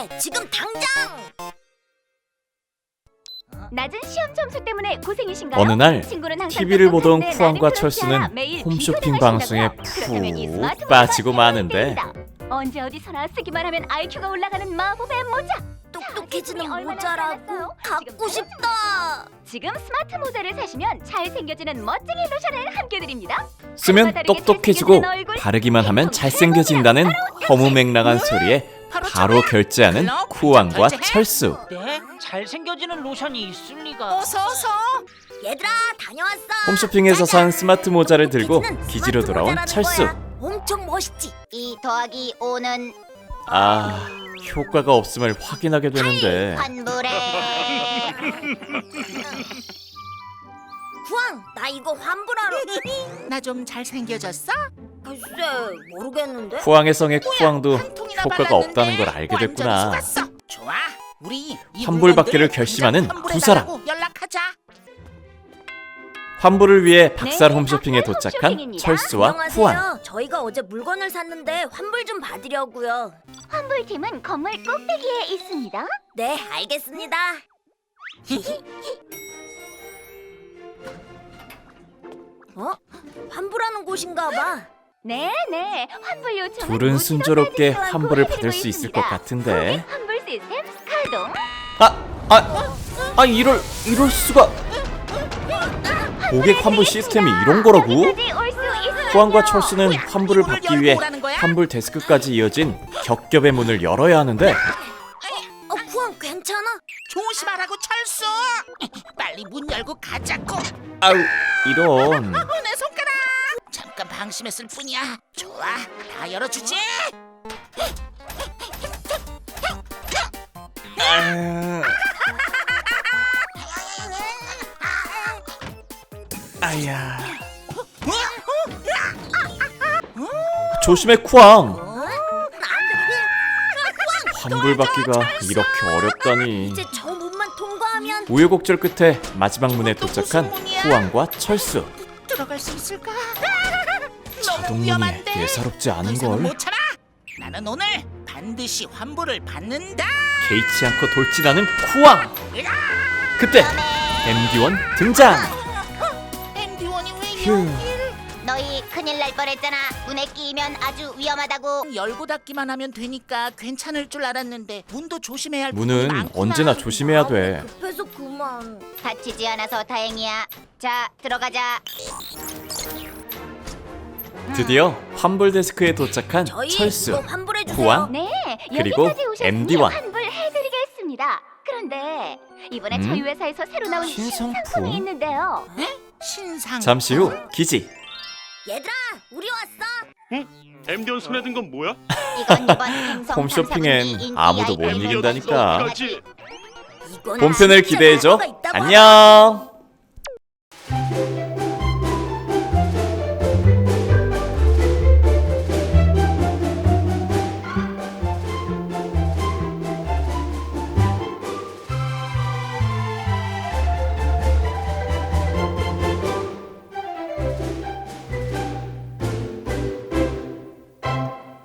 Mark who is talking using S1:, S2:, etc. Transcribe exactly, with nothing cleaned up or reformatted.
S1: 해! 지금 당장!
S2: 낮은 시험 점수 때문에 고생이신가요?
S3: 어느 날
S2: 친구는 항상
S3: 티비를 보던
S2: 똑똑한데
S3: 쿠안과
S2: 나는 그렇지 않아.
S3: 철수는
S2: 매일
S3: 홈쇼핑
S2: 비교를
S3: 방송에
S2: 하신다고요? 그렇다면 이
S3: 푹
S2: 스마트폰이
S3: 빠지고
S2: 바뀌어야
S3: 마는데
S2: 됩니다. 언제 어디서나 쓰기만 하면 아이큐가 올라가는 마법의 모자.
S1: 똑똑해지는
S2: 자, 얼마나
S1: 모자라고
S2: 잘났어요?
S1: 갖고
S2: 지금
S1: 싶다!
S2: 지금 스마트 모자를 사시면 잘생겨지는 멋쟁이 로션을 함께 드립니다.
S3: 쓰면
S2: 다르게
S3: 똑똑해지고
S2: 잘생겨지는 얼굴,
S3: 바르기만 하면
S2: 인품
S3: 잘생겨진다는 허무맹랑한 소리에 바로 결제하는 쿠안과 철수.
S4: 네? 잘생겨지는 로션이 있을 리가.
S5: 어서 어서.
S1: 얘들아, 다녀왔어!
S3: 홈쇼핑에서 산 스마트 모자를 들고
S1: 똑똑해지는
S3: 기지로
S1: 스마트
S3: 돌아온
S1: 모자라는
S3: 철수.
S1: 거야. 엄청 멋있지? 이 더하기 오는
S3: 아, 효과가 없음을 확인하게 되는데
S1: 환불해. 후앙, 나 이거 환불하러.
S5: 나 좀 잘생겨졌어?
S1: 글쎄, 모르겠는데.
S3: 쿠앙의 성의 쿠앙도
S5: 한 통이나
S3: 효과가
S5: 발랐는데
S3: 없다는 걸 알게
S5: 완전
S3: 됐구나.
S5: 속았어. 좋아, 우리 이
S3: 환불받기를
S5: 물건들
S3: 결심하는
S5: 당장
S3: 두 사람.
S5: 환불해달라고 연락하자.
S3: 환불을 위해 박살
S2: 네,
S3: 홈쇼핑에
S2: 박살
S3: 도착한
S2: 홈쇼핑입니다.
S3: 철수와 쿠안.
S1: 안녕하세요. 저희가 어제 물건을 샀는데 환불 좀 받으려고요.
S2: 환불팀은 건물 꼭대기에 있습니다.
S1: 네, 알겠습니다. 어? 환불하는 곳인가 봐.
S2: 네네, 환불 요청은
S3: 둘은
S2: 무지로
S3: 순조롭게
S2: 따지지 않고
S3: 환불을
S2: 해드리고
S3: 받을 수 있을
S2: 있습니다.
S3: 것 같은데.
S2: 고객 환불 시스템 가동.
S3: 아, 아, 아 이럴 이럴 수가. 고객 환불 시스템이 이런 거라고?
S2: 여기까지 올수 있어요.
S3: 쿠안과 철수는 환불을
S5: 이거를
S3: 받기
S5: 열고
S3: 위해
S5: 오라는 거야?
S3: 환불 데스크까지 이어진 겹겹의 문을 열어야 하는데
S1: 어, 후안 괜찮아?
S5: 조심하라고 철수. 빨리 문 열고 가자고.
S3: 아우 이런.
S5: 어, 내 손가락. 잠깐 방심했을 뿐이야. 좋아, 다 열어주지.
S3: 아, 아야. 조심해 쿠앙.
S1: 어?
S3: 환불 받기가 이렇게 어렵다니.
S1: 이제 저 문만 통과하면
S3: 우여곡절 끝에 마지막 문에 도착한 쿠앙과 철수.
S5: 들어갈 수 있을까? 너무
S3: 자동문이
S5: 위험한데.
S3: 예사롭지 않은
S5: 이상은
S3: 걸.
S5: 못 참아. 나는 오늘 반드시 환불을 받는다.
S3: 개의치 않고 돌진하는 쿠앙. 그때 엠디원 등장.
S5: 엠디원이 왜
S3: 휴.
S5: 여길?
S1: 너희 큰일 날 뻔했잖아. 문에 끼면 아주 위험하다고.
S5: 열고 닫기만 하면 되니까 괜찮을 줄 알았는데 문도 조심해야 할
S3: 문은
S5: 부분이 많구나.
S3: 언제나 조심해야 돼.
S1: 급해서 그만.
S2: 다치지 않아서 다행이야. 자, 들어가자.
S3: 드디어 환불 데스크에 도착한
S1: 저희
S3: 철수,
S1: 이거 환불해 주세요.
S3: 쿠안,
S2: 네,
S3: 그리고
S2: 여기까지 오셨으니
S3: 엠디원.
S2: 환불해드리겠습니다. 그런데 이번에
S3: 음?
S2: 저희 회사에서 새로 나온
S3: 신상품?
S2: 신상품이 있는데요.
S5: 신상.
S3: 잠시 후 기지.
S1: 얘들아, 우리 왔어.
S6: 엠디원 손에 든 건 뭐야?
S2: 이건 이번 행성
S3: 홈쇼핑엔
S2: 탐사분기 인기
S3: 아무도 못
S2: 아이템
S3: 이긴다니까.
S2: 중에 하나지.
S6: 어떡하지?
S1: 이건
S3: 본편을
S1: 진짜
S3: 기대해줘.
S1: 효과가 있다고
S3: 안녕.